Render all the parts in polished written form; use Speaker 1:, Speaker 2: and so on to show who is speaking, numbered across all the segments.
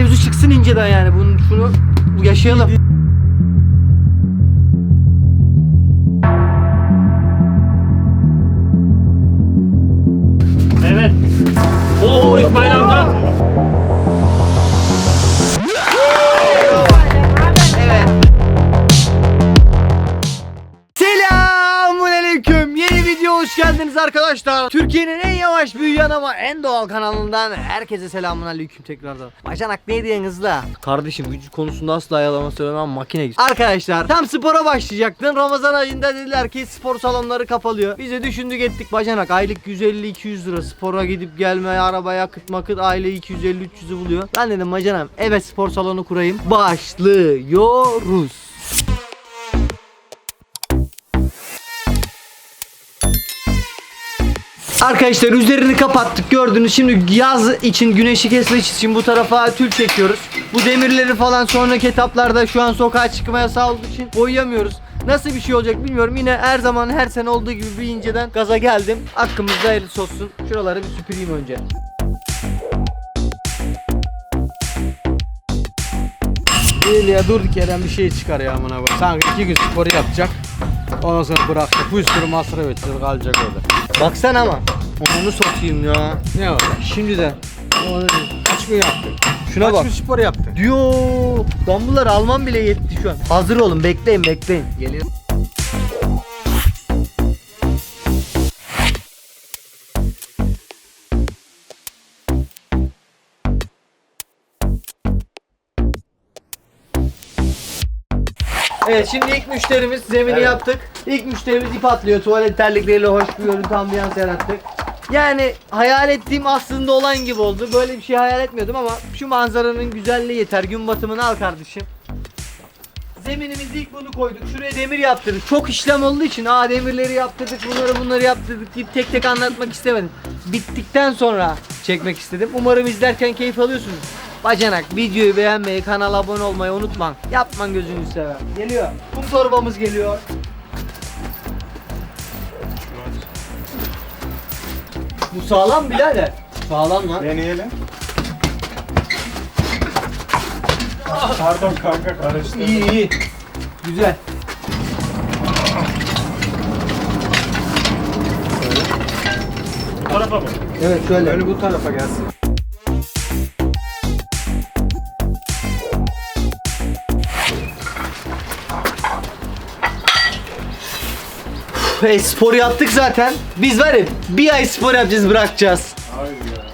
Speaker 1: mevzu çıksın inceden yani. Şunu yaşayalım.
Speaker 2: Evet. Oo İsmail amca.
Speaker 1: Selamünaleyküm. Yeni video hoş geldiniz arkadaşlar. Türkiye'nin en yavaş büyüyen ama en doğal kanalından herkese selamünaleyküm tekrardan. Bacanak ne diyen hızla? Kardeşim vücut konusunda asla yalan söylemem, makine gibi. Arkadaşlar tam spora başlayacaktın. Ramazan ayında dediler ki spor salonları kapalıyor. Biz de düşündük ettik bacanak. Aylık 150-200 lira spora gidip gelme, araba yakıt makıt aile 250-300'ü buluyor. Ben dedim bacanam evet spor salonu kurayım. Başlıyoruz. Arkadaşlar üzerini kapattık gördünüz. Şimdi yaz için güneşi kesmek için bu tarafa tül çekiyoruz. Bu demirleri falan sonraki etaplarda şu an sokağa çıkma yasağı olduğu için boyayamıyoruz. Nasıl bir şey olacak bilmiyorum. Yine her zaman her sene olduğu gibi bir inceden gaza geldim. Hakkımızda hayırlısı olsun. Şuraları bir süpüreyim önce.
Speaker 3: Değil ya, durduk yerden bir şey çıkar ya amına koyayım. Sanki 2 gün spor yapacak. Ondan sonra bıraktı. Bir sürü masraf edeceğiz, kalacak orada.
Speaker 1: Baksana ama. Onu sokayım ya.
Speaker 3: Ne var?
Speaker 1: Şimdiden.
Speaker 3: Kaç gün yaptın?
Speaker 1: Şuna
Speaker 3: Kaç
Speaker 1: bak.
Speaker 3: gün spor yaptın?
Speaker 1: Diyor. Dumbbell'ları almam bile yetti şu an. Hazır olun, bekleyin.
Speaker 3: Geliyor.
Speaker 1: Evet şimdi ilk müşterimiz zemini yaptık. İlk müşterimiz ip atlıyor. Tuvalet terlikleriyle hoş bir görüntü ambiyans yarattık. Yani hayal ettiğim aslında olan gibi oldu. Böyle bir şey hayal etmiyordum ama şu manzaranın güzelliği yeter. Gün batımını al kardeşim. Zeminimizi ilk bunu koyduk. Şuraya demir yaptırdık. Çok işlem olduğu için demirleri yaptırdık, bunları yaptırdık deyip tek tek anlatmak istemedim. Bittikten sonra çekmek istedim. Umarım izlerken keyif alıyorsunuz. Bacanak videoyu beğenmeyi, kanala abone olmayı unutma. Yapman gözünü sever. Geliyor. Kum torbamız geliyor. Bu sağlam birader. Sağlam lan.
Speaker 2: Deneyelim. Pardon kanka karıştı.
Speaker 1: İyi. Güzel.
Speaker 2: Bu tarafa mı?
Speaker 1: Evet şöyle.
Speaker 3: Öyle bu tarafa gelsin.
Speaker 1: Spor yaptık zaten. Biz var ya bir ay spor yapacağız, bırakacağız.
Speaker 2: Hayır ya.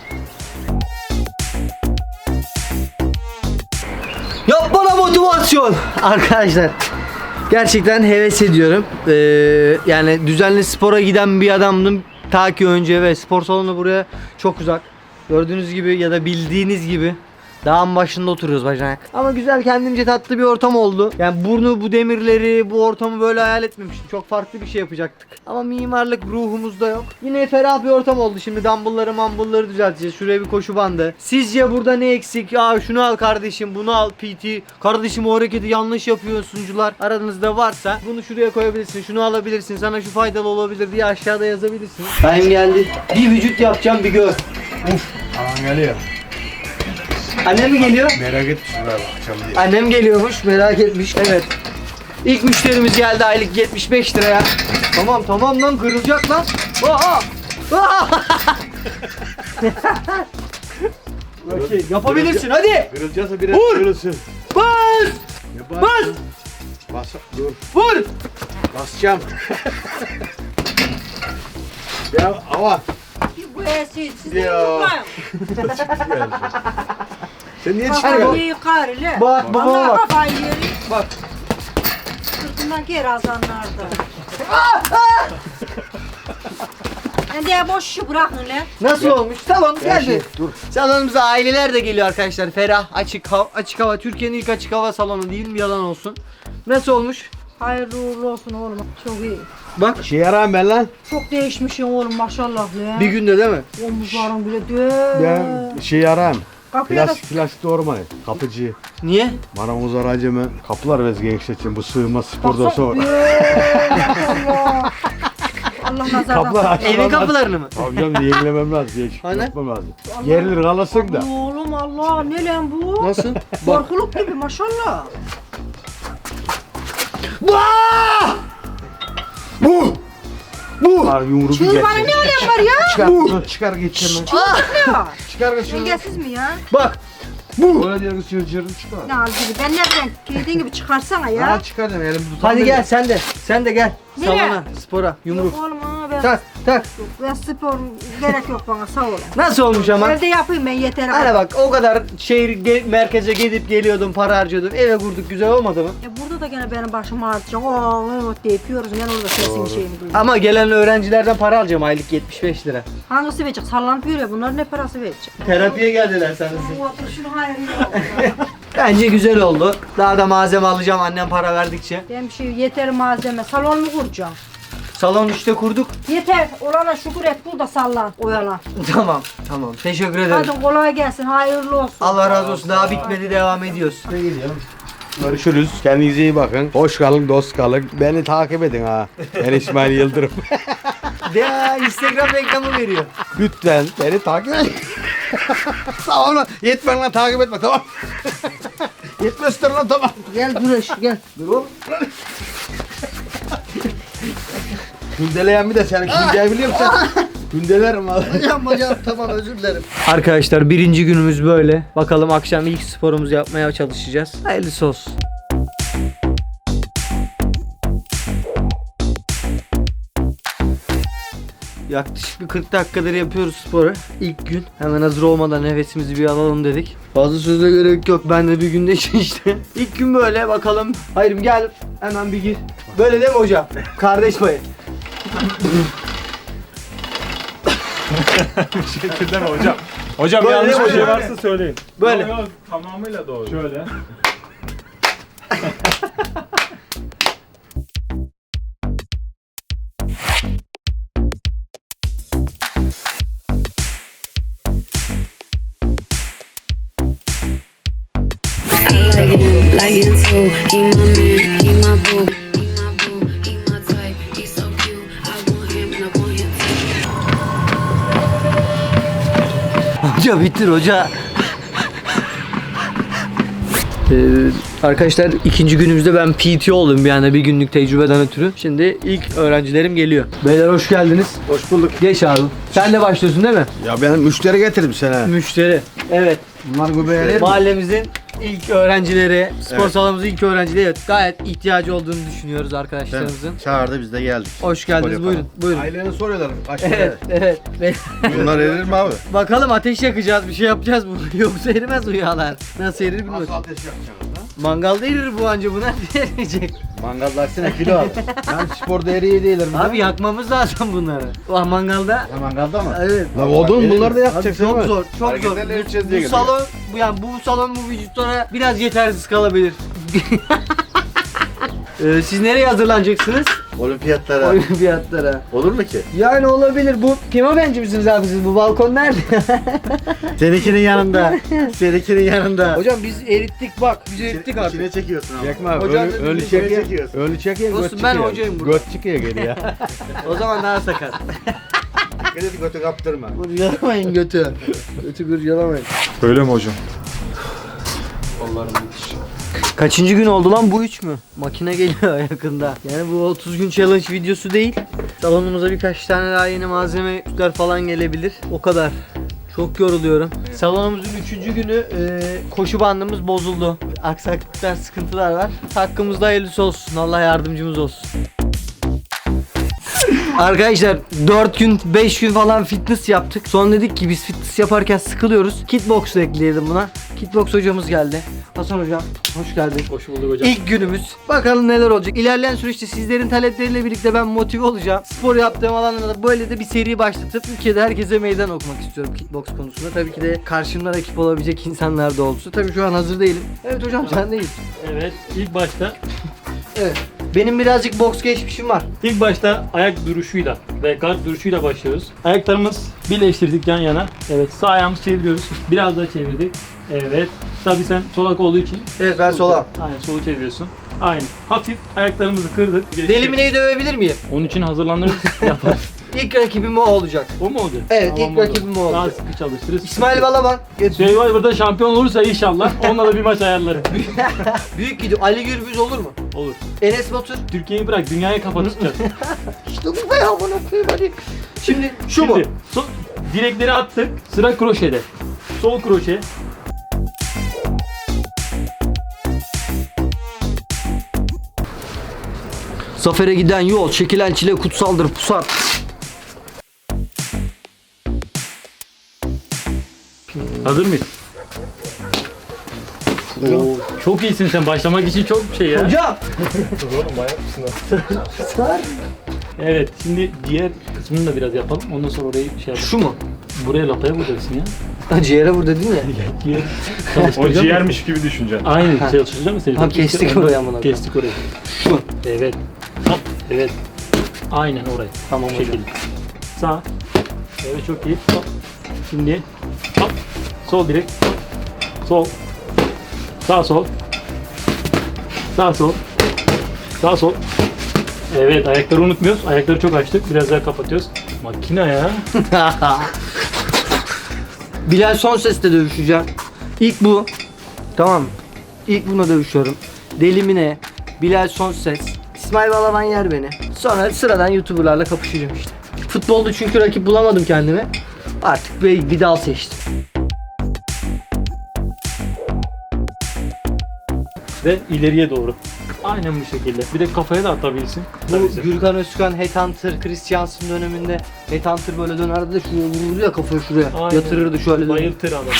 Speaker 1: Yap bana motivasyon. Arkadaşlar gerçekten heves ediyorum. Yani düzenli spora giden bir adamdım ta ki önce ve spor salonu buraya çok uzak. Gördüğünüz gibi ya da bildiğiniz gibi dağın başında oturuyoruz bacanak. Ama güzel kendimce tatlı bir ortam oldu. Yani bu demirleri, bu ortamı böyle hayal etmemiştim. Çok farklı bir şey yapacaktık. Ama mimarlık ruhumuzda yok. Yine ferah bir ortam oldu. Şimdi dumbbellları düzelteceğiz. Şuraya bir koşu bandı. Sizce burada ne eksik? Şunu al kardeşim, bunu al PT. Kardeşim o hareketi yanlış yapıyor sunucular. Aranızda varsa bunu şuraya koyabilirsin. Şunu alabilirsin. Sana şu faydalı olabilir diye aşağıda yazabilirsin. Time geldi. Bir vücut yapacağım, bir gör.
Speaker 3: Aman geliyor.
Speaker 1: Annem mi geliyor?
Speaker 3: Merak etmişler bakacağım diye.
Speaker 1: Annem geliyormuş, merak etmiş. Evet. İlk müşterimiz geldi aylık 75 liraya. Tamam lan, kırılacak lan. Okey, yapabilirsin hadi.
Speaker 3: Kırılacaksa biraz
Speaker 1: Vur!
Speaker 3: kırılsın.
Speaker 1: Bas!
Speaker 3: Ya
Speaker 1: Bas!
Speaker 3: Bas. Dur.
Speaker 1: Vur!
Speaker 3: Basacağım. Ya ama.
Speaker 4: Bu eski siz
Speaker 3: Ya. Sen niye
Speaker 1: Hadi
Speaker 3: çıkıyorsun?
Speaker 4: yıkar ile.
Speaker 1: Bak babama
Speaker 4: Allah
Speaker 1: bak.
Speaker 4: kafayı yeri.
Speaker 1: Bak.
Speaker 4: Sırtından geri azanlardı. Ben de boş işi bırakın lan.
Speaker 1: Nasıl olmuş? Salon geldi.
Speaker 3: Dur.
Speaker 1: Salonumuza aileler de geliyor arkadaşlar. Ferah, açık hava. Türkiye'nin ilk açık hava salonu değil mi? Yalan olsun. Nasıl olmuş?
Speaker 4: Hayırlı uğurlu olsun oğlum. Çok iyi.
Speaker 1: Bak.
Speaker 3: Şey yarar ben lan.
Speaker 4: Çok değişmişsin oğlum maşallah lan.
Speaker 1: Bir günde değil mi?
Speaker 4: Omuzların bile dö.
Speaker 3: Ben şey yaram.
Speaker 4: Kapıya da
Speaker 3: Plastik doğurmayı. Kapıcı.
Speaker 1: Niye?
Speaker 3: Bana uzar acemi. Kapılar ve gençler için bu sığma spordan sonra.
Speaker 4: maşallah. Allah nazardan
Speaker 3: Kapılar
Speaker 4: saklasın.
Speaker 1: Evin kapılarını mı?
Speaker 3: Abi canım yenilemem lazım. Değişik
Speaker 1: Hani?
Speaker 3: yapmam lazım. Gerilir kalasın da.
Speaker 4: Oğlum Allah ne lan bu?
Speaker 1: Nasıl? Bak.
Speaker 4: Korkuluk gibi maşallah.
Speaker 3: Abi yumruğu
Speaker 4: Çığır bana ne alem var ya?
Speaker 3: Çıkar, çıkar geçeceğim ben.
Speaker 4: Ne var?
Speaker 3: Çıkar geçeceğim.
Speaker 4: Dengesiz mi ya?
Speaker 1: Bak.
Speaker 3: Öyle diye kız çırçırını çıkar.
Speaker 4: Ne al gibi ben nereden dediğin gibi çıkarsana ya.
Speaker 3: Ya çıkar deme elim tutar.
Speaker 1: Hadi gel sen de. Sen de gel.
Speaker 4: Nereye?
Speaker 1: Salona, spora, yumruk.
Speaker 4: Yok oğlum ha ben,
Speaker 1: Tak tak.
Speaker 4: ben spor gerek yok bana sağ olun.
Speaker 1: Nasıl olmuş ama?
Speaker 4: Evde yapayım ben yeter.
Speaker 1: Hani bak o kadar şehir merkeze gidip geliyordum, para harcıyordum. Eve kurduk, güzel olmadı mı?
Speaker 4: Burada da gene benim başım ağrıtacak. Evet deyip yiyoruz. Ben orada sesin şeyini duyuyorum.
Speaker 1: Ama gelen öğrencilerden para alacağım aylık 75 lira.
Speaker 4: Hangisi verecek? Sallanıp yürüyor. Bunlar ne parası verecek?
Speaker 1: Terapiye geldiler sanırsın.
Speaker 4: Otur şunu hayır.
Speaker 1: Bence güzel oldu. Daha da malzeme alacağım annem para verdikçe.
Speaker 4: Ben bir şey yeter malzeme. Salon mu kuracağım?
Speaker 1: Salon işte kurduk.
Speaker 4: Yeter. Olana şükür et. Bul da sallan. Oyalan.
Speaker 1: Tamam, tamam. Teşekkür ederim.
Speaker 4: Hadi kolay gelsin. Hayırlı olsun.
Speaker 1: Allah razı olsun. Daha bitmedi, devam ediyoruz.
Speaker 3: Görüşürüz. Kendinize iyi bakın. Hoş kalın, dost kalın. Beni takip edin ha. Ben İsmail Yıldırım.
Speaker 1: Ya Instagram reklamı veriyor.
Speaker 3: Lütfen beni takip edin. Tamam lan. Yetmen lan takip etme tamam. Yetmezler lan tamam.
Speaker 1: Gel Güneş, gel.
Speaker 3: Dur oğlum. Gündeleyen bir de seni gündeleyen biliyor musun? Gündelerim valla.
Speaker 1: Hocam tamam özür dilerim. Arkadaşlar birinci günümüz böyle. Bakalım akşam ilk sporumuzu yapmaya çalışacağız. Hayırlısı olsun. Yaklaşık bir 40 dakikadır yapıyoruz sporu. İlk gün hemen hazır olmadan nefesimizi bir alalım dedik. Fazla söze gerek yok. Ben de bir günde işte. İlk gün böyle bakalım. Hayır gel hemen bir gir. Böyle değil mi hocam? Kardeş payı.
Speaker 2: Bir şekilde mi hocam? Hocam
Speaker 1: Böyle
Speaker 2: yanlış
Speaker 1: değil mi
Speaker 2: bir şey
Speaker 1: hocam?
Speaker 2: varsa söyleyin.
Speaker 1: Böyle.
Speaker 2: Yok, yok, tamamıyla doğru. Şöyle.
Speaker 5: Like him too. He my man, he my boo. He my boo, he my type. He's so cute. I want him and I want him too.
Speaker 1: Hoca bitir hoca. Arkadaşlar ikinci günümüzde ben PT oldum bir anda bir günlük tecrübeden ötürü. Şimdi ilk öğrencilerim geliyor. Beyler hoş geldiniz.
Speaker 3: Hoş bulduk.
Speaker 1: Geç abi. Sen de başlıyorsun değil mi?
Speaker 3: Ya ben müşteri getirdim sana.
Speaker 1: Müşteri. Evet.
Speaker 3: Bunlar göbeğe
Speaker 1: Mahallemizin ilk öğrencileri, spor salonumuzun ilk öğrencileri. Evet, gayet ihtiyacı olduğunu düşünüyoruz arkadaşlarımızın.
Speaker 6: Çağırdı biz de geldik.
Speaker 1: Hoş geldiniz.
Speaker 6: Spor
Speaker 1: Buyurun.
Speaker 6: yapalım.
Speaker 1: Buyurun.
Speaker 3: Aileni soruyorlar. Kaç
Speaker 1: Evet, evet.
Speaker 6: Bunlar erir mi abi?
Speaker 1: Bakalım ateş yakacağız, bir şey yapacağız bu. Yoksa erimez bu yağlar. Nasıl erir bilmiyorum.
Speaker 3: Nasıl ateş yapacaksınız ha?
Speaker 1: Mangalda erir bu anca, bu nerede eriyecek?
Speaker 3: Mangalda aksine kilo al. Yani spor değeri değiller mi?
Speaker 1: Abi yakmamız lazım bunları. Ah mangalda.
Speaker 3: Ya mangalda mı?
Speaker 1: Evet.
Speaker 3: La odun bunlar da
Speaker 1: Abi
Speaker 3: yakacaksın
Speaker 1: çok
Speaker 3: değil mi?
Speaker 1: zor, çok zor.
Speaker 6: Hareketlerle ölçeceğiz diye
Speaker 1: Bu
Speaker 6: geliyor.
Speaker 1: salon, bu salon bu vücutlara biraz yetersiz kalabilir. Siz nereye hazırlanacaksınız?
Speaker 6: Olimpiyatlara.
Speaker 1: Olimpiyatlara.
Speaker 6: Olur mu ki?
Speaker 1: Yani olabilir. Bu kime benci misiniz abi siz? Bu balkon nerede?
Speaker 6: Seninkinin yanında. Seninkinin yanında.
Speaker 1: Hocam biz erittik bak. Biz erittik artık.
Speaker 6: İçine çekiyorsun abi.
Speaker 3: Çekme abi.
Speaker 1: Hocam
Speaker 3: Ölü
Speaker 1: dedi,
Speaker 3: çekiyor.
Speaker 6: çekiyorsun.
Speaker 3: Ölü çekiyor.
Speaker 1: Olsun,
Speaker 3: göt
Speaker 1: ben
Speaker 3: çıkıyor.
Speaker 1: hocayım burada.
Speaker 3: Göt çıkıyor geri ya.
Speaker 1: O zaman daha sakat.
Speaker 6: Dikkat et götü kaptırma.
Speaker 1: Kurcalamayın götü. Götü kurcalamayın.
Speaker 2: Öyle mi hocam?
Speaker 1: Kaçıncı gün oldu lan, bu 3 mü? Makine geliyor yakında. Yani bu 30 gün challenge videosu değil. Salonumuza birkaç tane daha yeni malzemeler falan gelebilir. O kadar. Çok yoruluyorum. Salonumuzun 3. günü koşu bandımız bozuldu. Aksaklıklar, sıkıntılar var. Hakkımızda hayırlısı olsun. Allah yardımcımız olsun. Arkadaşlar 4 gün 5 gün falan fitness yaptık. Sonra dedik ki biz fitness yaparken sıkılıyoruz. Kickbox ekleyelim buna. Kickbox hocamız geldi. Hasan hocam hoş geldin.
Speaker 2: Hoş bulduk hocam.
Speaker 1: İlk günümüz. Bakalım neler olacak. İlerleyen süreçte sizlerin talepleriyle birlikte ben motive olacağım. Spor yaptığım alanlarda böyle de bir seri başlatıp ülkede herkese meydan okumak istiyorum kickbox konusunda. Tabii ki de karşımda rakip olabilecek insanlar da olsa. Tabii şu an hazır değilim. Evet hocam sen değil.
Speaker 7: Evet, ilk başta
Speaker 1: Benim birazcık boks geçmişim var.
Speaker 7: ayak duruşuyla ve guard duruşuyla başlıyoruz. Ayaklarımız birleştirdik yan yana. Evet, sağ ayağımızı çeviriyoruz. Biraz daha çevirdik. Evet. Tabii sen solak olduğu için
Speaker 1: Evet ben sola.
Speaker 7: aynen solu çeviriyorsun. Aynen. Hafif ayaklarımızı kırdık.
Speaker 1: Delimine'yi dövebilir miyim?
Speaker 7: Onun için hazırlanırız. Yaparız.
Speaker 1: İlk rakibim o olacak.
Speaker 7: O mu olacak?
Speaker 1: Evet, ilk
Speaker 7: olur.
Speaker 1: rakibim o
Speaker 7: Daha
Speaker 1: olacak.
Speaker 7: sıkı çalıştırırız.
Speaker 1: İsmail Balaban.
Speaker 7: Survivor'da şampiyon olursa inşallah onunla da bir maç ayarlarım.
Speaker 1: Büyük gidiyor. Ali Gürbüz olur mu?
Speaker 7: Olur.
Speaker 1: Enes Batur.
Speaker 7: Türkiye'yi bırak, dünyaya kafa tutacağız.
Speaker 1: İşte bu be ya, bana koyayım hadi. Şimdi şu mu?
Speaker 7: Şimdi, direkleri attık. Sıra kroşede. Sol kroşe.
Speaker 1: Zafer'e giden yol, çekilen çile kutsaldır pusat.
Speaker 7: Hazır mıyız? Oo, çok iyisin sen. Başlamak için çok şey ya.
Speaker 1: Hocam!
Speaker 7: Evet, şimdi diğer kısmını da biraz yapalım. Ondan sonra orayı şey yapalım.
Speaker 1: Şu mu?
Speaker 7: Buraya lapaya vuracaksın ya.
Speaker 1: Ha, ciğere vur dedin ya.
Speaker 7: Diğer
Speaker 2: O
Speaker 7: çalıştıracağım.
Speaker 2: ciğermiş gibi düşüneceksin.
Speaker 7: Aynen, çalıştıracağım mı seni?
Speaker 1: Tamam, kestik orayı amına koyayım.
Speaker 7: Kestik orayı.
Speaker 1: Şu.
Speaker 7: Evet. Hop, evet. Aynen orayı.
Speaker 1: Tamam
Speaker 7: Bu
Speaker 1: hocam.
Speaker 7: şekilde. Sağ. Evet, çok iyi. Hop. Şimdi hop. Sol direkt. Hop. Sol. Sağ sol. Sağ sol. Sağ sol. Evet, ayakları unutmuyoruz. Ayakları çok açtık. Biraz daha kapatıyoruz. Makine ya.
Speaker 1: Bilal son sesle dövüşeceğim. İlk bu. Tamam mı? İlk buna dövüşüyorum. Delimine, Bilal son ses. İsmail Balaban yer beni. Sonra sıradan YouTuber'larla kapışacağım işte. Futbolda çünkü rakip bulamadım kendime. Artık bir dal seçtim.
Speaker 7: Ve ileriye doğru. Aynen bu şekilde. Bir de kafaya da atabilirsin.
Speaker 1: Bu Gürkan Özkan Headhunter, Christiansen döneminde Headhunter böyle dönerdi de şuraya vururdu ya, kafayı şuraya
Speaker 7: Aynen.
Speaker 1: yatırırdı şöyle.
Speaker 7: Bayıltır adamı.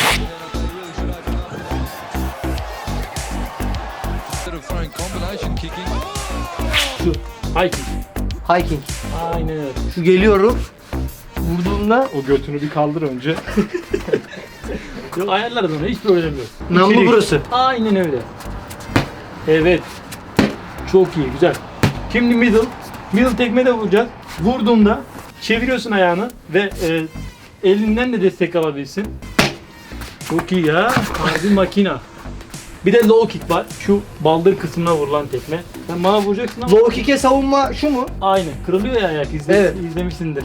Speaker 7: Şu. Hiking.
Speaker 1: Hiking.
Speaker 7: Aynen öyle.
Speaker 1: Şu geliyorum. Vurduğumda
Speaker 2: O götünü bir kaldır önce.
Speaker 7: Yok, ayarlarız onu, hiç problem yok.
Speaker 1: namlu
Speaker 7: İçeri-
Speaker 1: burası.
Speaker 7: Aynen öyle. Evet. Çok iyi, güzel. Şimdi middle. Middle tekme de vuracağız. Vurduğunda çeviriyorsun ayağını ve elinden de destek alabilirsin. Çok iyi ya. Harbi makina. Bir de low kick var. Şu baldır kısmına vurulan tekme. Sen bana vuracaksın ama
Speaker 1: Low kick'e savunma şu mu?
Speaker 7: aynen. Kırılıyor ya ayak.
Speaker 1: Evet.
Speaker 7: İzlemişsindir.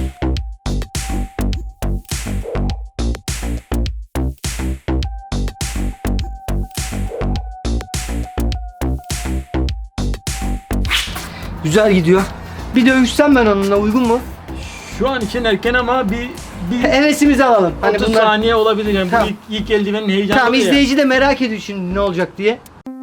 Speaker 1: Güzel gidiyor. Bir dövüşsem ben onunla, uygun mu?
Speaker 7: Şu an için erken ama bir
Speaker 1: Hevesimizi alalım.
Speaker 7: 30 saniye olabilir yani.
Speaker 1: Tamam.
Speaker 7: Bu ilk eldivenin heyecanı
Speaker 1: Tamam,
Speaker 7: oluyor ya.
Speaker 1: izleyici de merak ediyor şimdi ne olacak diye.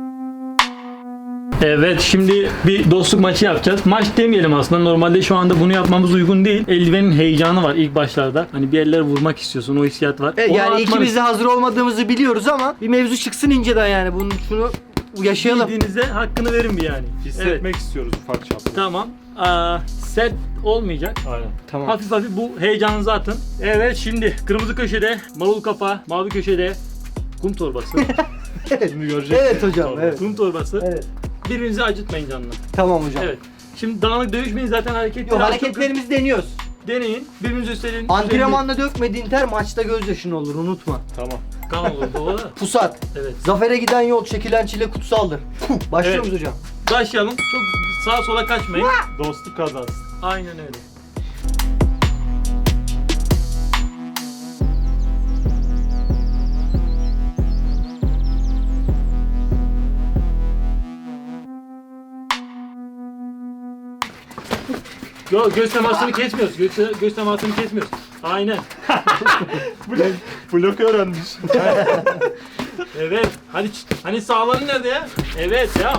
Speaker 7: Evet, şimdi bir dostluk maçı yapacağız. Maç demeyelim aslında. Normalde şu anda bunu yapmamız uygun değil. Eldivenin heyecanı var ilk başlarda. Hani bir yerlere vurmak istiyorsun. O hissiyat var.
Speaker 1: Evet,
Speaker 7: Onu
Speaker 1: yani
Speaker 7: atmanız-
Speaker 1: ikimiz de hazır olmadığımızı biliyoruz ama bir mevzu çıksın inceden yani. Şunu yaşayalım.
Speaker 7: Bildiğinizde hakkını verin bir yani.
Speaker 2: Hissetmek istiyoruz ufak çaplı.
Speaker 7: Tamam. Set olmayacak.
Speaker 2: Aynen.
Speaker 1: Tamam.
Speaker 7: Hafif hafif bu heyecanınızı atın. Evet, şimdi kırmızı köşede marul kapağı, mavi köşede kum torbası.
Speaker 2: Şimdi göreceksin.
Speaker 1: Evet hocam, evet.
Speaker 7: Kum torbası.
Speaker 1: Evet.
Speaker 7: Birbirinizi acıtmayın canına.
Speaker 1: Tamam hocam.
Speaker 7: Evet. Şimdi dağınık dövüşmeyin, zaten hareket.
Speaker 1: Yok, hareketlerimizi deniyoruz.
Speaker 7: deneyin. Birbirinizi üstlerin.
Speaker 1: Antrenmanda dökmediğin ter maçta gözyaşın olur, unutma.
Speaker 2: Tamam.
Speaker 7: Kan olur bu da.
Speaker 1: Pusat.
Speaker 7: Evet.
Speaker 1: Zafere giden yol, çekilen çile kutsaldır. Başlıyor
Speaker 7: Evet.
Speaker 1: muyuz hocam?
Speaker 7: Başlayalım. Çok sağa sola kaçmayın.
Speaker 2: Dostluk kazansın.
Speaker 7: Aynen öyle. Yok, göz temasını kesmiyoruz. Göz temasını kesmiyoruz. Aynen.
Speaker 2: Blok öğrenmiş.
Speaker 7: Evet. Hani sağların nerede ya? Evet ya.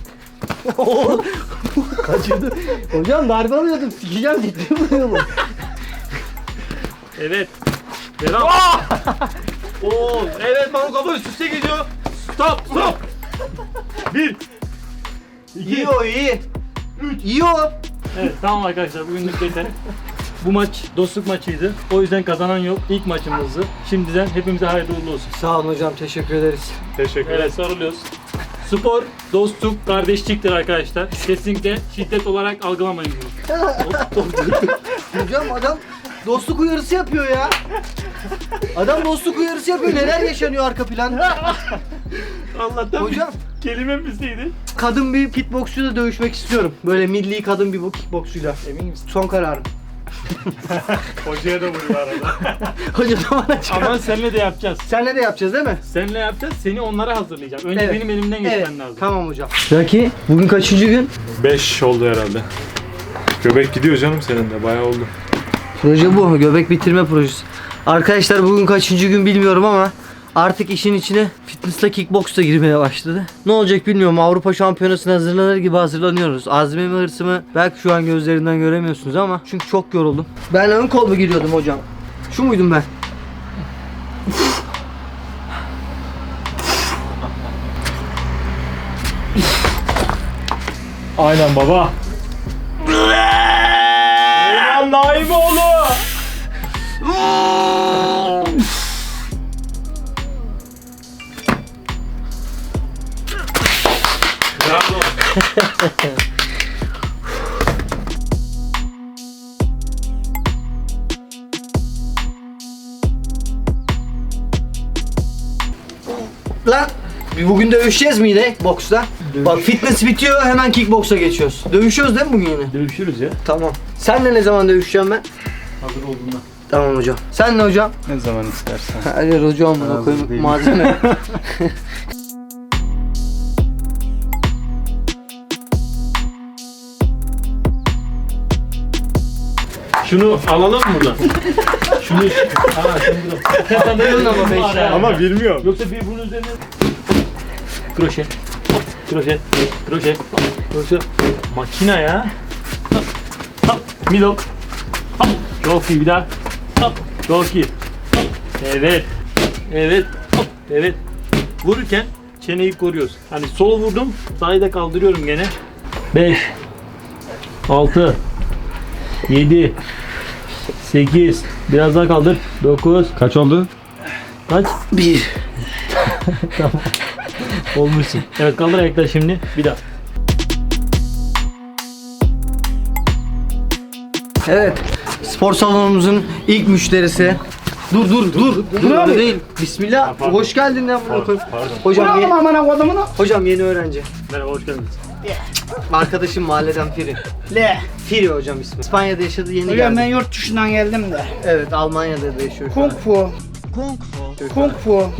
Speaker 1: Kaçırdı. Hocam darbe alıyordum. Sikeceğim, ciddi vuruyorum.
Speaker 7: Evet. Devam. Oo, evet, Marul kafa üst üste gidiyor. Stop, stop. 1 2
Speaker 1: İyi o, iyi. İyi o.
Speaker 7: Evet, tamam arkadaşlar, bugünlük yeter. Bu maç dostluk maçıydı. O yüzden kazanan yok. İlk maçımızdı. Şimdiden hepimize hayırlı uğurlu olsun.
Speaker 1: Sağ olun hocam, teşekkür ederiz.
Speaker 2: Teşekkür ederim.
Speaker 7: Evet, sarılıyoruz. Spor, dostluk, kardeşliktir arkadaşlar. Kesinlikle şiddet olarak algılamayın bunu.
Speaker 1: Hocam adam dostluk uyarısı yapıyor ya. Adam dostluk uyarısı yapıyor. Neler yaşanıyor arka planda?
Speaker 7: Allah'tan
Speaker 1: Hocam
Speaker 7: Kelime bizdeydi.
Speaker 1: Kadın bir kickboksçuyla dövüşmek istiyorum. Böyle milli kadın bir bu kickboksçuyla. Emin misin? Son kararım.
Speaker 2: Hocaya da vuruyor arada.
Speaker 1: Hoca da bana çıkar.
Speaker 7: Ama seninle de yapacağız.
Speaker 1: Senle de yapacağız değil mi?
Speaker 7: Seninle yapacağız. Seni onlara hazırlayacağım. Önce
Speaker 1: Evet.
Speaker 7: benim elimden geçmen
Speaker 1: Evet.
Speaker 7: lazım.
Speaker 1: Tamam hocam. Raki bugün kaçıncı gün?
Speaker 2: 5 oldu herhalde. Göbek gidiyor canım senin de bayağı oldu.
Speaker 1: Proje bu. Göbek bitirme projesi. Arkadaşlar bugün kaçıncı gün bilmiyorum ama artık işin içine fitness'la kickboksla girmeye başladı. Ne olacak bilmiyorum. Avrupa Şampiyonası'na hazırlanır gibi hazırlanıyoruz. Azmimi, hırsımı belki şu an gözlerinden göremiyorsunuz ama çünkü çok yoruldum. Ben ön kol mu giriyordum hocam? Şu muydum ben?
Speaker 2: Aynen baba.
Speaker 7: Eyvallah Naimoğlu.
Speaker 1: Lan bugün dövüşeceğiz mi yine boksta? Bak fitness bitiyor hemen kickboksa geçiyoruz. Dövüşüyoruz değil mi bugün yine?
Speaker 7: Dövüşürüz ya.
Speaker 1: Tamam. Senle ne zaman dövüşeceğim ben?
Speaker 7: Hazır olduğunda.
Speaker 1: Tamam hocam. Sen ne hocam?
Speaker 3: Ne zaman istersen.
Speaker 1: Hayır hocam bunu koyayım
Speaker 3: değil.
Speaker 1: malzeme.
Speaker 7: Şunu alalım mı buradan? Şunu... Aa şunu buradan. Sen de
Speaker 1: ama beş tane.
Speaker 2: Ama bilmiyorum.
Speaker 7: Yoksa bir bunun üzerine... Kroşe. Kroşe. Kroşe. Kroşe. Makina ya. Hop. Hop. Middle. Hop. Çok iyi bir daha. Hop. Çok iyi. Hop. Evet. Evet. Hop. Evet. Vururken çeneyi koruyoruz. Hani sol vurdum, sağı da kaldırıyorum gene. 5 6 7 8 biraz daha kaldır. 9
Speaker 3: Kaç oldu?
Speaker 7: kaç?
Speaker 1: 1.
Speaker 7: Tamam. Olmuşsun. Evet kaldır ayakları şimdi. Bir daha.
Speaker 1: Evet. Spor salonumuzun ilk müşterisi. Dur dur öyle değil. Bismillah. Hoş geldin ya bunu koy. Hocam hocam yeni öğrenci.
Speaker 7: Merhaba hoş geldiniz.
Speaker 1: Arkadaşım mahalleden Firi.
Speaker 8: Le.
Speaker 1: Firi hocam ismi. İspanya'da yaşadı yeni
Speaker 8: Hocam ben
Speaker 1: geldi.
Speaker 8: yurt dışından geldim de.
Speaker 1: Evet Almanya'da da yaşıyor şu an.
Speaker 8: Kung fu. Kung fu.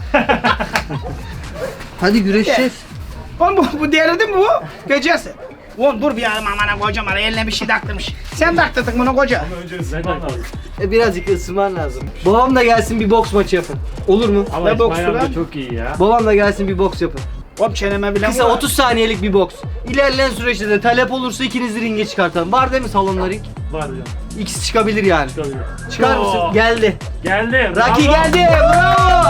Speaker 1: Hadi güreşeceğiz.
Speaker 8: Oğlum bu delirdi mi bu? Gecesi. Oğlum dur bir yarım amana kocam ara eline bir şey taktırmış. Sen taktırdın bunu koca.
Speaker 1: Birazcık ısınman lazım. Babam da gelsin bir boks maçı yapın. Olur mu?
Speaker 7: Ama
Speaker 8: Ne boksu
Speaker 7: İsmail amca
Speaker 8: lan?
Speaker 7: çok iyi ya.
Speaker 1: Babam da gelsin bir boks yapın.
Speaker 8: Oğlum çeneme bile
Speaker 1: Kısa
Speaker 8: vur.
Speaker 1: 30 saniyelik bir boks. İlerleyen süreçte de talep olursa ikinizi ringe çıkartalım. Var değil mi salonda ring?
Speaker 7: Var hocam.
Speaker 1: İkisi çıkabilir yani.
Speaker 7: Tabii.
Speaker 1: Çıkar mısın?
Speaker 7: Oo.
Speaker 1: Geldi.
Speaker 7: Geldi.
Speaker 1: Raki
Speaker 7: bravo.
Speaker 1: geldi. Bravo.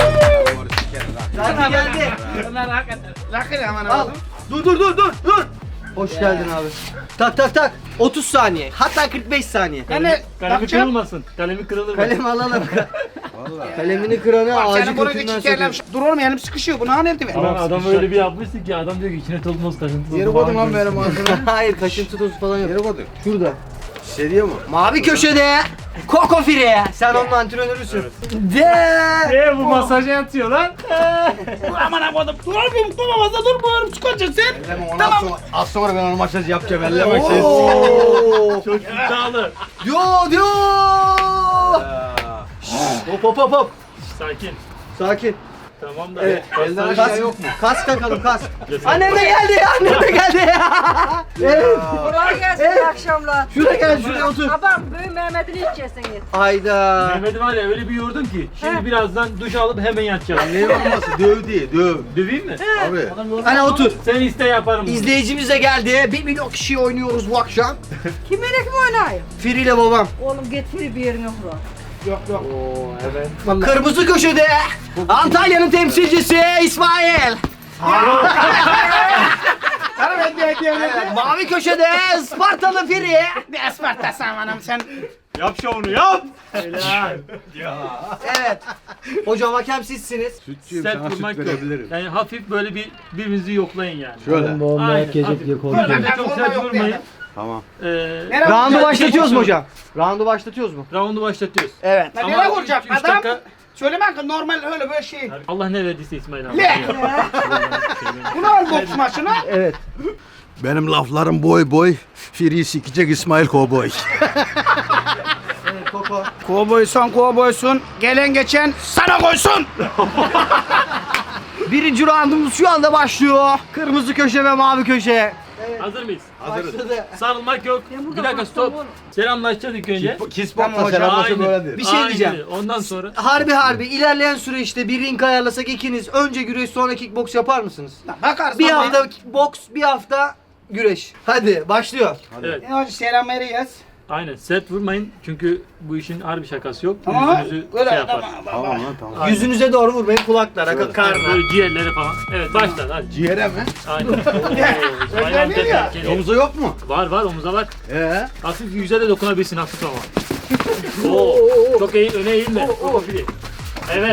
Speaker 1: Raki geldi.
Speaker 8: Bunlar hakikaten. Rakı amana
Speaker 1: Al.
Speaker 8: koydum.
Speaker 1: Dur. Hoş geldin abi. Tak. 30 saniye. Hatta 45 saniye.
Speaker 8: Yani
Speaker 7: Kalemi
Speaker 8: takacağım.
Speaker 7: kırılmasın. Kalemi kırılır.
Speaker 1: Kalemi alalım. Kalemini kıranı
Speaker 8: Bak
Speaker 1: ağacı
Speaker 8: senin bunu
Speaker 1: götünden
Speaker 8: küçük yerler.
Speaker 1: sokuyor.
Speaker 8: Dur oğlum elim sıkışıyor. Bunu nerede ver?
Speaker 7: Ama adam öyle bir yapmıştı ki adam diyor ki içine tozmaz kaşıntı.
Speaker 8: Yeri koydum lan benim ağzına.
Speaker 1: Hayır kaşıntı tozu falan yok.
Speaker 6: Yere koyduk.
Speaker 1: Şurada.
Speaker 6: Hissediyor mu?
Speaker 1: Mavi köşede. Koko Fire. Sen onun antrenörüsün. De.
Speaker 7: Bu masaja yatıyor lan.
Speaker 8: Dur amana koydum. Dur oğlum tutamazsa dur bu oğlum çıkacak sen.
Speaker 6: Tamam. Az sonra ben onu masaj yapacağım. Ellemek
Speaker 1: Oo.
Speaker 7: Çok iddialı.
Speaker 1: Yo. Hop.
Speaker 7: Sakin.
Speaker 1: Sakin.
Speaker 7: Tamam da.
Speaker 1: Evet.
Speaker 6: Elden
Speaker 1: Kas
Speaker 6: aşağı yok mu?
Speaker 1: Kas takalım kas.
Speaker 7: Cesaret.
Speaker 1: Annem de geldi ya. Evet.
Speaker 4: Kolay gelsin iyi akşamlar.
Speaker 1: Şuraya gel şuraya otur.
Speaker 4: Babam büyük Mehmet'in içeceksiniz.
Speaker 1: Ayda.
Speaker 7: Mehmet'i var ya öyle bir yordun ki şimdi birazdan duş alıp hemen yatacağım.
Speaker 6: Ne olması? Döv diye döv.
Speaker 7: Döveyim mi?
Speaker 6: Abi.
Speaker 1: Hani otur.
Speaker 7: Sen iste yaparım. bunu.
Speaker 1: İzleyicimiz de geldi. 1 milyon kişi oynuyoruz bu akşam.
Speaker 4: Kiminle kim oynayayım?
Speaker 1: Firi ile babam.
Speaker 4: Oğlum getir bir yerine kur.
Speaker 8: Yok.
Speaker 7: Oo evet.
Speaker 1: Kırmızı köşede Antalya'nın temsilcisi İsmail. Mavi köşede Spartalı Firi.
Speaker 8: Ne Isparta'sı amanım sen.
Speaker 2: Yap şovunu yap.
Speaker 7: Helal.
Speaker 1: Evet. Hocam hakem sizsiniz.
Speaker 6: Sütçüyüm
Speaker 7: Sert
Speaker 6: sana süt
Speaker 7: vurmak yok.
Speaker 6: verebilirim.
Speaker 7: Yani hafif böyle birbirinizi yoklayın yani.
Speaker 6: Şöyle.
Speaker 7: Aynen. Hafif. Öyle de çok sert vurmayın.
Speaker 6: Tamam.
Speaker 1: Roundu başlatıyoruz mu hocam? Roundu başlatıyoruz mu?
Speaker 7: Roundu başlatıyoruz.
Speaker 1: Evet.
Speaker 8: Nereye vuracak
Speaker 7: 3
Speaker 8: adam?
Speaker 7: dakika
Speaker 8: Söyleme ki normal öyle böyle şey.
Speaker 7: Allah ne verdiyse İsmail abi.
Speaker 8: Le! Bunu al boks maçına.
Speaker 1: Evet.
Speaker 6: Benim laflarım boy boy. Free sikecek İsmail Kovboy.
Speaker 1: Evet Koko.
Speaker 8: Kovboysun. Gelen geçen sana koysun.
Speaker 1: Birinci roundumuz şu anda başlıyor. Kırmızı köşe ve mavi köşe.
Speaker 7: Hazır mıyız?
Speaker 1: Başladı.
Speaker 7: Sarılmak yok. Bir dakika stop. Selamlaşacağız ilk önce.
Speaker 6: Kispatla selamlaşa böyledir.
Speaker 1: Bir şey
Speaker 7: Aynen
Speaker 1: diyeceğim.
Speaker 7: öyle. Ondan sonra
Speaker 1: Harbi ilerleyen süreçte bir ring ayarlasak ikiniz önce güreş sonra kickbox yapar mısınız?
Speaker 8: Bakarız.
Speaker 1: Bir hafta kickbox, bir hafta güreş. Hadi başlıyor.
Speaker 7: evet.
Speaker 8: Önce selam vereceğiz.
Speaker 7: Aynen. Sert vurmayın çünkü bu işin harbi şakası yok.
Speaker 8: Tamam.
Speaker 7: Yüzünüzü
Speaker 8: Öyle
Speaker 7: şey yapar.
Speaker 8: tamam.
Speaker 6: Tamam lan tamam.
Speaker 7: Aynen.
Speaker 1: Yüzünüze doğru vurmayın, kulaklara,
Speaker 7: Evet,
Speaker 1: karnına.
Speaker 7: böyle ciğerlere falan. Evet başla hadi.
Speaker 6: Ciğere mi?
Speaker 7: Aynen. İsmail
Speaker 8: Öyle
Speaker 7: amca
Speaker 8: değil ya.
Speaker 7: tehlikeli.
Speaker 6: Omuza yok mu?
Speaker 7: Var omuza var.
Speaker 6: Hafif
Speaker 7: Yüze de dokunabilirsin hafif ama. Oo, çok iyi öne eğilme. Çok hafif. Evet.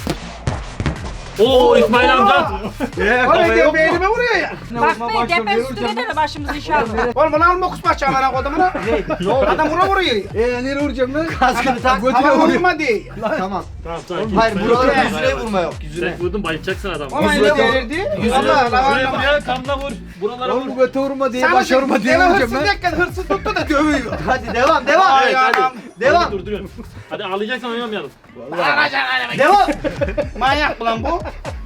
Speaker 7: Oo İsmail amca.
Speaker 8: Öyle diyor beynime vuruyor ya.
Speaker 4: Bak be tepe üstüne de başımızı inşallah.
Speaker 8: Oğlum bunu alma boks maçı amına kodumuna.
Speaker 1: Ne oldu?
Speaker 8: Adam vuruyor.
Speaker 6: Nereye vuracağım lan?
Speaker 1: Kaskını tak.
Speaker 8: Ama vurma değil.
Speaker 1: Tamam.
Speaker 7: Tamam sakin.
Speaker 1: Hayır
Speaker 7: İsmail
Speaker 1: buralara
Speaker 7: amca.
Speaker 1: yüzüne vurma yok. Yüzüne.
Speaker 7: Sen vurdun bayılacaksın adamı.
Speaker 8: Ama
Speaker 1: Yüzüne
Speaker 8: öyle
Speaker 1: vur.
Speaker 8: delirdi.
Speaker 1: Yüzüne
Speaker 8: Allah
Speaker 1: vur.
Speaker 8: Allah.
Speaker 7: Şuraya buraya kamla vur. Buralara vur.
Speaker 6: Oğlum göte vurma diye
Speaker 8: Sen
Speaker 6: başa vurma diye vuracağım
Speaker 8: hırsız
Speaker 6: lan.
Speaker 8: derken hırsız tuttu da dövüyor.
Speaker 1: Hadi devam.
Speaker 8: Ay,
Speaker 7: Evet
Speaker 8: anam.
Speaker 7: hadi.
Speaker 1: Devam.
Speaker 7: Hadi durduruyorum. Hadi ağlayacaksan oynamayalım.
Speaker 1: Devam.
Speaker 8: Manyak lan bu.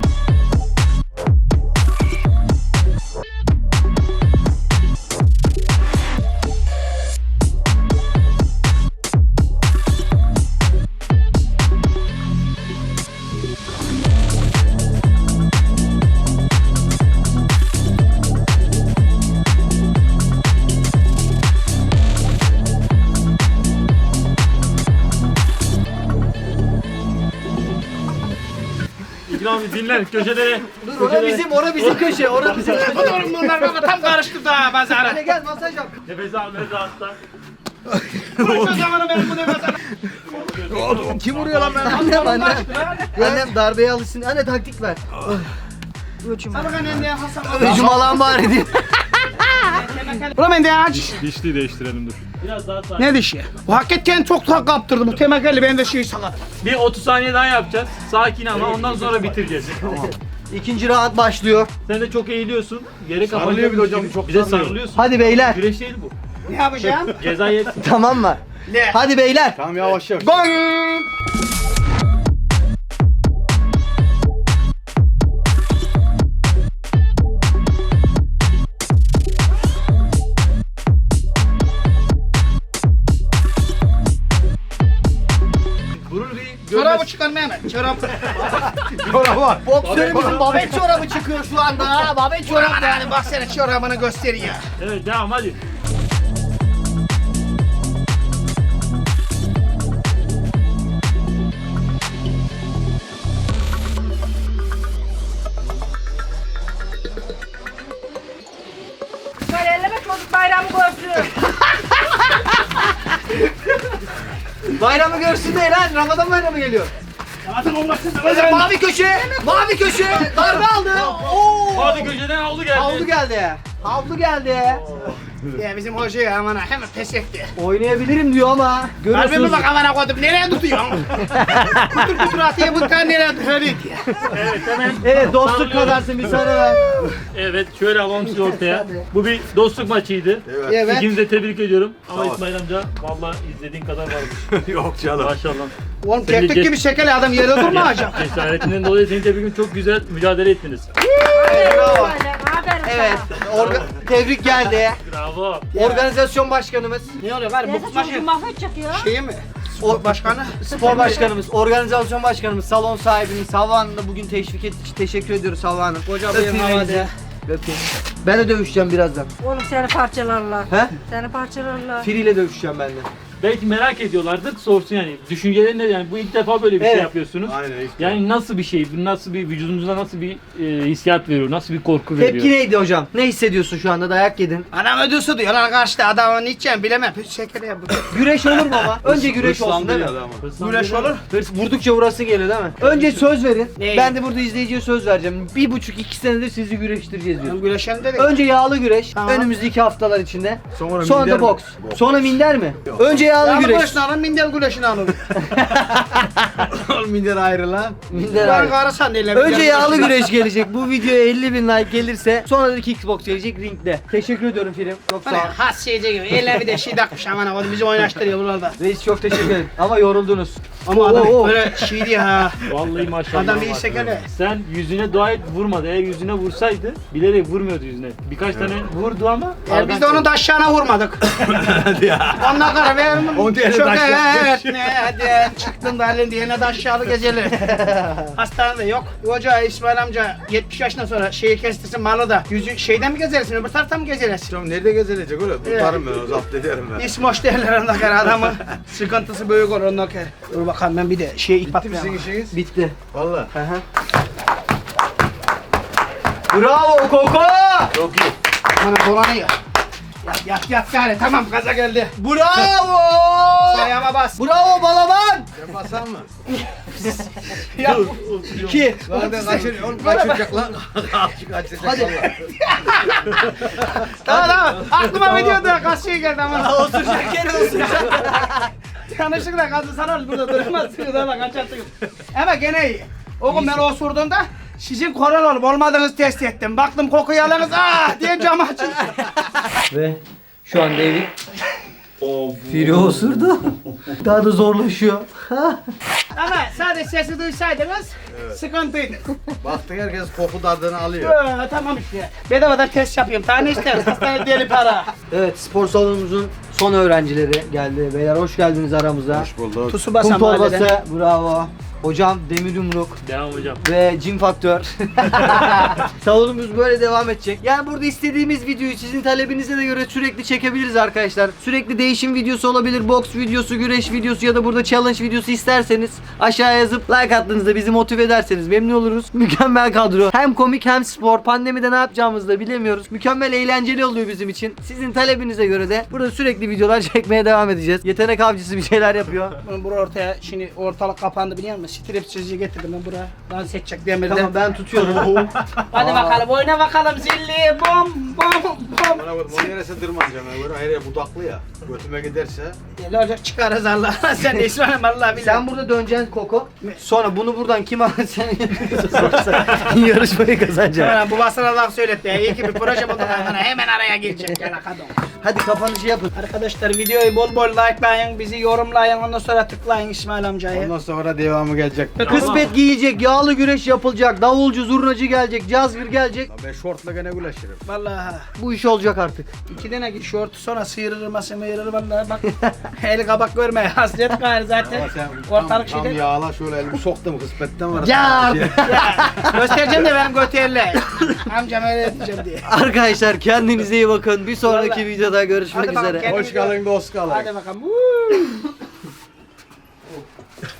Speaker 7: İkram bir dinlen köşede.
Speaker 1: Dur ora bizim köşe. Ora bizim köşe.
Speaker 8: Oğlum bunlar baba tam karıştı da pazara.
Speaker 1: Hadi gel masaj yap.
Speaker 7: Nefes al nefes hasta.
Speaker 8: Şu zamanı benim bu nefes al.
Speaker 6: Kim vuruyor lan ben?
Speaker 1: Annem darbeye alışsın. Anne taktik ver.
Speaker 8: Sana ben ne Hasan.
Speaker 1: Öcüm alan bari diye.
Speaker 8: Ulan ben de aç.
Speaker 2: Dişliği değiştirelim dur.
Speaker 7: Biraz daha sakin.
Speaker 8: Ne dişi? Bu hakikaten çok tak kaptırdı bu temelli ben de şey sakat.
Speaker 7: Bir 30 saniye daha yapacağız. Sakin ama ondan sonra bitireceğiz.
Speaker 1: İkinci round başlıyor.
Speaker 7: Sen de çok eğiliyorsun. Geri
Speaker 6: Sarılıyor bir de hocam, çok
Speaker 7: Bize
Speaker 6: sarılıyor.
Speaker 7: sarılıyorsun.
Speaker 1: Hadi beyler.
Speaker 7: Güreş değil bu.
Speaker 8: Ne yapacağım?
Speaker 7: Ceza yersin.
Speaker 1: Tamam mı?
Speaker 8: Le.
Speaker 1: Hadi beyler.
Speaker 6: Tamam yavaş yavaş.
Speaker 8: Gong.
Speaker 7: Vurur bir
Speaker 8: Çorabı çıkarma hemen. Çorabı.
Speaker 1: Boksörümüzün babet çorabı çıkıyor şu anda. Ha, babet çorabı.
Speaker 8: Çorabı yani bak senin çorabını göster ya.
Speaker 7: Evet devam hadi.
Speaker 4: Böyle elleme çocuk bayramı görsün.
Speaker 1: Bayramı görsün değil lan. Ramazan bayramı geliyor. Mavi köşe. Mavi köşe. Darbe aldı. Oo.
Speaker 7: Hadi köşeden havlu geldi.
Speaker 1: Havlu geldi. Havlu geldi.
Speaker 8: Ya bizim hoca ya aman hemen pes etti.
Speaker 1: Oynayabilirim diyor ama.
Speaker 8: Kalbime
Speaker 1: Görüyorsunuz.
Speaker 8: bak amana koydum nereye tutuyorsun? Kutur kutur atıyor bu kan nereye tutuyor diye.
Speaker 7: Evet hemen.
Speaker 1: Evet dostluk
Speaker 7: Sarılıyorum.
Speaker 1: kadarsın bir sarı ver.
Speaker 7: Evet şöyle alalım sizi ortaya. Bu bir dostluk maçıydı.
Speaker 1: Evet.
Speaker 7: İkinizi de tebrik ediyorum. Ama İsmail amca vallahi izlediğin kadar varmış.
Speaker 6: Yok canım.
Speaker 7: Maşallah.
Speaker 8: Oğlum
Speaker 7: Seni
Speaker 8: keklik gibi şekeli adam yere durmayacak.
Speaker 7: Cesaretinden dolayı seni tebrik ediyorum. Çok güzel mücadele ettiniz.
Speaker 1: Bravo.
Speaker 4: Aferin
Speaker 1: Evet. Tebrik geldi.
Speaker 7: Bravo.
Speaker 1: Organizasyon başkanımız.
Speaker 8: Ne oluyor var
Speaker 4: sana.
Speaker 8: bu
Speaker 4: Neyse
Speaker 8: maçı
Speaker 4: çocuğu mahvedecek ya.
Speaker 8: şeyi mi? Spor başkanı.
Speaker 1: Spor başkanımız, organizasyon başkanımız, salon sahibimiz Havva Hanım da bugün teşvik ettiği için teşekkür ediyoruz Havva Hanım.
Speaker 8: Koca
Speaker 1: Öpeyim
Speaker 8: bıyığın
Speaker 1: elinizi.
Speaker 8: havada.
Speaker 1: Öpeyim. Ben de dövüşeceğim birazdan.
Speaker 4: Oğlum seni parçalarlar.
Speaker 1: He?
Speaker 4: Seni parçalarlar.
Speaker 1: Free ile dövüşeceğim ben de.
Speaker 7: Belki merak ediyorlardır. Sorsun yani. Düşüncelerin ne? Yani bu ilk defa böyle bir şey
Speaker 1: Evet.
Speaker 7: yapıyorsunuz.
Speaker 6: Aynen ilk
Speaker 7: Yani nasıl bir şey? Bu nasıl bir vücudunuza nasıl bir hissiyat veriyor? Nasıl bir korku veriyor?
Speaker 1: Tepki neydi hocam? Ne hissediyorsun şu anda? Dayak yedin.
Speaker 8: Anam ödüsü diyorlar karşıda adamın içeceğim bilemem. Püs şekeri yap.
Speaker 1: Güreş olur mu ama? Önce güreş olsun değil mi?
Speaker 8: Güreş olur.
Speaker 1: Hırs vurdukça vurası geliyor değil mi? Önce söz verin.
Speaker 8: Neyi?
Speaker 1: Ben de burada izleyiciye söz vereceğim. 1,5-2 senedir sizi güreştireceğiz diyor.
Speaker 8: Hem güreşen de
Speaker 1: Önce yağlı güreş.
Speaker 8: Tamam.
Speaker 1: Önümüzdeki haftalar içinde.
Speaker 6: Sonra
Speaker 1: Sonra
Speaker 6: minder
Speaker 1: da
Speaker 6: mi?
Speaker 1: boks. Sonra minder mi? Önce yağlı güreş.
Speaker 8: güreşini alın, minder güreşini alın.
Speaker 3: Oğlum minder ayrı lan.
Speaker 1: Minder
Speaker 8: Ben
Speaker 1: abi.
Speaker 8: karısan değil.
Speaker 1: Önce yağlı güreş gelecek. Bu videoya 50.000 like gelirse sonra da kickbox gelecek ringde. Teşekkür ediyorum film. Çok sağ ol.
Speaker 8: Has şeyce gibi. Eline bir de şey takmış aman ha. Bizi oynaştırıyor buralarda.
Speaker 1: Reis çok teşekkür ederim. Ama yoruldunuz.
Speaker 8: Ama adam
Speaker 1: Oo.
Speaker 8: böyle şey diye ha.
Speaker 7: Vallahi maşallah.
Speaker 8: Adam bir
Speaker 7: bak.
Speaker 8: sekele.
Speaker 7: Sen yüzüne dua et vurmadı. Eğer yüzüne vursaydı bilerek vurmuyordu yüzüne. Birkaç tane vurdu ama.
Speaker 8: Biz de onun taşlarına vurmadık. Ondan sonra vermem.
Speaker 3: O diğeri
Speaker 8: Çok
Speaker 3: taşlar.
Speaker 8: evet. Nereden çıktın da halin diyene de aşağılı gezeli. Hastanede yok. Hoca İsmail amca 70 yaşından sonra şeyi kestirsin malı da. Yüzü şeyden mi gezersin öbür taraftan mı gezersin?
Speaker 3: Hocam nerede gezilecek oğlum? Tutarım ben o zapt ederim ben.
Speaker 8: İsmoş derler ondan sonra adamın sıkıntısı büyük olur ondan sonra. Dur bakalım ben bir de şey ip
Speaker 3: Bitti mi
Speaker 8: atmayalım.
Speaker 3: sizin işiniz?
Speaker 1: Bitti.
Speaker 3: Valla.
Speaker 1: Bravo Koko!
Speaker 3: Çok iyi.
Speaker 8: Bana dolanıyor. Yat gari tamam gaza geldi.
Speaker 1: Bravo!
Speaker 8: Ayağıma bas.
Speaker 1: Bravo Balaban!
Speaker 3: Ben basam mı?
Speaker 8: Yap.
Speaker 1: 2.
Speaker 3: Lan ben kaçır. Oğlum kaçıracak lan. Kaçıracak
Speaker 1: Hadi.
Speaker 3: valla.
Speaker 8: Tamam. Aklıma video da kaç şey geldi ama.
Speaker 1: Oturacak yere oturacak.
Speaker 8: Yanlışlıkla kazı sana burada duramazsınız ama kaçarsınız. Ama gene iyi. Oğlum ben osurduğumda sizin koral olup olmadığınızı test ettim. Baktım kokuyu alınız diye cam açın.
Speaker 1: Ve şu anda David Firi osurdu. Daha da zorlaşıyor.
Speaker 8: Ama sadece sesi duysaydınız sıkıntıydı.
Speaker 3: Baktık herkes koku tadını alıyor.
Speaker 8: Tamam işte. Bedavadan test yapıyorum. Tane ister. Hastane deli para.
Speaker 1: Evet, spor salonumuzun son öğrencileri geldi. Beyler hoş geldiniz aramıza.
Speaker 3: Hoş bulduk.
Speaker 8: Tusu
Speaker 1: Kum
Speaker 8: basan
Speaker 1: torbası,
Speaker 8: mahalleden.
Speaker 1: bravo. Hocam Demir Yumruk
Speaker 7: Devam hocam.
Speaker 1: ve Cin Faktör. Salonumuz böyle devam edecek. Yani burada istediğimiz videoyu sizin talebinize de göre sürekli çekebiliriz arkadaşlar. Sürekli değişim videosu olabilir, boks videosu, güreş videosu ya da burada challenge videosu isterseniz aşağıya yazıp like attığınızda bizi motive ederseniz memnun oluruz. Mükemmel kadro. Hem komik hem spor. Pandemide ne yapacağımızı da bilemiyoruz. Mükemmel eğlenceli oluyor bizim için. Sizin talebinize göre de burada sürekli videolar çekmeye devam edeceğiz. Yetenek avcısı bir şeyler yapıyor.
Speaker 8: Bunu buraya ortaya şimdi ortalık kapandı biliyor musun? Stripsizci getirdim ben buraya. Dans edecek demirden.
Speaker 1: Tamam ben tutuyorum.
Speaker 8: Hadi bakalım oyna bakalım zilli bom bom bom.
Speaker 3: Bana bak o neresi tırmanacağım ya. Böyle hayır budaklı ya. Götüme giderse.
Speaker 8: Deli olacak çıkarız Allah. Sen de İsmail'im Allah bilir.
Speaker 1: Sen burada döneceksin Koko. Sonra bunu buradan kim alır sen yarışmayı kazanacaksın.
Speaker 8: Hemen bu basına laf söyletti ya. İyi ki bir proje bulduk hemen araya girecek ya kadın.
Speaker 1: Hadi kapanışı yapın.
Speaker 8: Arkadaşlar videoyu bol bol likelayın, bizi yorumlayın, ondan sonra tıklayın İsmail amcayı.
Speaker 3: Ondan sonra devamı gelecek.
Speaker 1: Kısmet giyecek, yağlı güreş yapılacak, davulcu, zurnacı gelecek, cazgır gelecek.
Speaker 3: Ben şortla gene güleşirim.
Speaker 8: Vallahi
Speaker 1: Bu iş olacak artık.
Speaker 8: 2 tane şortu sonra sıyırır vallahi bak. El kabak görmeye hasret gayrı zaten.
Speaker 3: Ama sen
Speaker 8: Ortalık
Speaker 3: tam
Speaker 8: şeyde.
Speaker 3: yağla şöyle elimi soktum kısmetten var.
Speaker 1: Ya!
Speaker 8: Göstereceğim de benim götürle. Amcam öyle diyeceğim diye.
Speaker 1: Arkadaşlar kendinize iyi bakın. Bir sonraki
Speaker 8: Vallahi.
Speaker 1: videoda görüşmek
Speaker 8: Hadi bakalım,
Speaker 1: üzere.
Speaker 8: kendinize
Speaker 3: Hoş kalın dost kalın.
Speaker 8: Hadi bakalım.